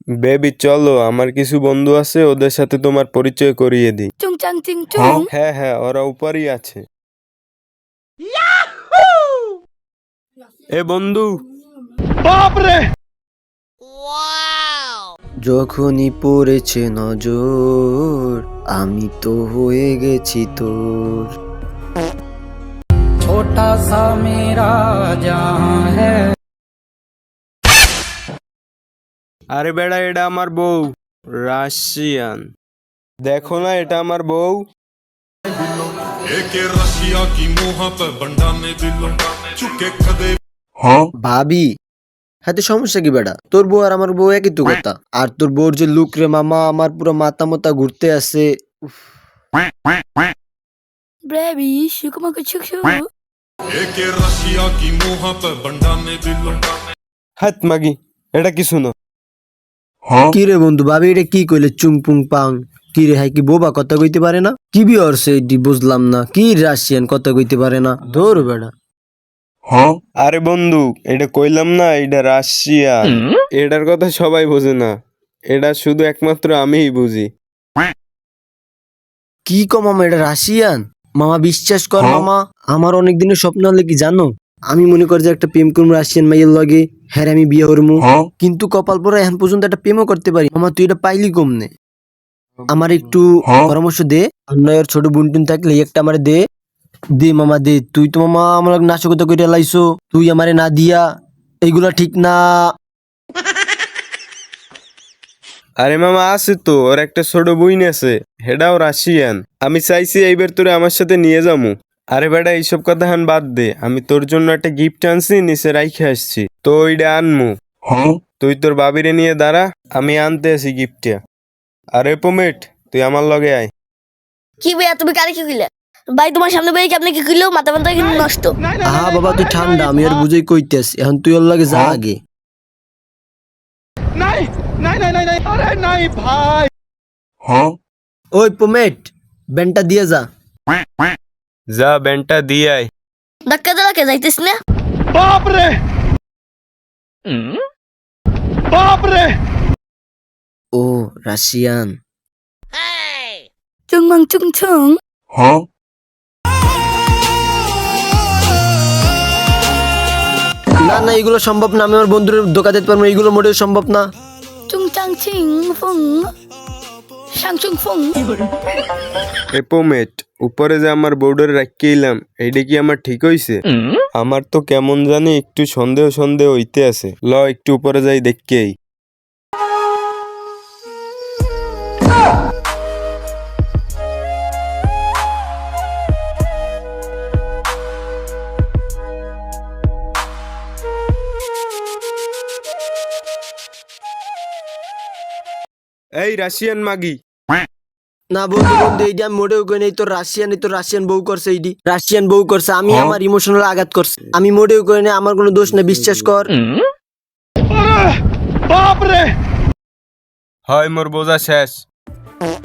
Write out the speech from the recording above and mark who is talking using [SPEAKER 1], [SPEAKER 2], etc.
[SPEAKER 1] Baby চলো, আমার কিছু বন্ধু আছে, ওদের সাথে তোমার পরিচয় করিয়ে দিই।
[SPEAKER 2] চুং চাং চিং চুং।
[SPEAKER 1] হ্যাঁ হ্যাঁ, ওরা উপরই আছে। এ বন্ধু,
[SPEAKER 3] যখনই পড়েছে নজর আমি তো হয়ে গেছি তোর।
[SPEAKER 4] छोटा सा मेरा जहां है।
[SPEAKER 1] আরে বেড়া, এটা আমার বউ রাশিয়ান। দেখো না, এটা আমার বউ।
[SPEAKER 5] एक रशिया की मुंह पे बंडा ने दिलों चुके कदे।
[SPEAKER 3] ভাবি, হাতে সমস্যা কি বেটা? তোর বউ আর আমার বউ একই তো কথা। আর তোর বউর যে লুক রে মামা, আমার পুরো মাথা মাথা ঘুরতে আছে।
[SPEAKER 2] বেবি শুকুমাকু শুকু।
[SPEAKER 5] एक रशिया की मुंह पे बंडा ने दिलों।
[SPEAKER 1] হাত মাগি, এটা কিছু না।
[SPEAKER 3] কি রে বন্ধু, ভাবি এটা কি কইলে চুং পুং পাং? কি রে, হাই কি বোবা কথা কইতে পারে না? কি বিয়রছে এটি বুঝলাম না। কি রাশিয়ান কথা কইতে পারে না? ধর বেটা।
[SPEAKER 1] আরে বন্ধু, এটা কইলাম না, এটা রাশিয়ান। এটার কথা সবাই বোঝে না, এটা শুধু একমাত্র আমিই বুঝি।
[SPEAKER 3] কি কো মামা, এটা রাশিয়ান? মামা বিশ্বাস কর মামা, আমার অনেক দিনের স্বপ্ন হলে কি জানো, আমি মনে করি যে একটা প্রেম করবো রাশিয়ান মাইয়ের লগে, হ্যাঁ আমি বিয়ে করবো। কিন্তু কপাল পরে এখন পর্যন্ত একটা প্রেমও করতে পারি। মামা তুই এটা পাইলি কমনে? আমার একটু পরামর্শ দে। নয়ের ছোট বুনটুন থাকলে একটা আমার দে। দে মামা দে। তুই তো মামা আমার নাশকতা করে লাইছো, তুই আমারে না দিয়া। এইগুলা ঠিক না।
[SPEAKER 1] আরে মামা আছে তো, ওর একটা ছোট বইন আছে, হেডাও রাশিয়ান। আমি চাইছি এইবার তোরে আমার সাথে নিয়ে যামু। আরে বেটা, এইসব কথা হান বাদ দে, আমি তোর জন্য একটা গিফট আনছি, নিচে রাইখে আসছি, তো ওইটা আনমু। তুই তোর বাবিরে নিয়ে দাঁড়া, আমি আনতে আছি গিফটটা। আরে পোমেট, তুই আমার লগে আয়।
[SPEAKER 2] কি ভাইয়া তুমি কারে কি কইলে? ভাই তোমার সামনে ভাই কি আপনি কি কইলো? মাথা মাথা কিন্তু নষ্ট।
[SPEAKER 3] আহা বাবা তুই ঠান্ডা, আমি আর বুঝেই কইতেছি। এখন তুই ওর লাগে যা আগে। ওই পোমেট, ব্যানটা দিয়ে যা।
[SPEAKER 1] যা ব্যান্ডটা দিয়ে আয়।
[SPEAKER 2] ধাক্কা দাঁড়াকে যাইতেছ না?
[SPEAKER 3] ও রাশিয়ান।
[SPEAKER 2] চুং মাং চুং চুং।
[SPEAKER 3] না না, এগুলো সম্ভব না। আমি আমার বন্ধুর ধোকা দিতে পারবো, এইগুলো মোটেও সম্ভব না।
[SPEAKER 2] চুং চাং চিং ফুং। শাং চুং ফুং।
[SPEAKER 1] এ পোমেট, উপরে যে আমার বোর্ডের রাখিয়ে এলাম, এইটা কি আমার ঠিক হইছে? আমার তো কেমন জানি একটু সন্দেহ সন্দেহ হইতে আছে। ল একটু উপরে যাই দেখকেই। এই রাশিয়ান মাগি।
[SPEAKER 3] না বন্ধু বন্ধু, এইটা আমি মোটেও কই নাই। তোর রাশিয়ান, এই তোর রাশিয়ান বউ করছে, এইটি রাশিয়ান বউ করছে। আমি আমার ইমোশনাল আঘাত করছে, আমি মোটেও কই নাই। আমার কোনো দোষ না, বিশ্বাস কর।
[SPEAKER 1] হয় মোর বোঝা শেষ।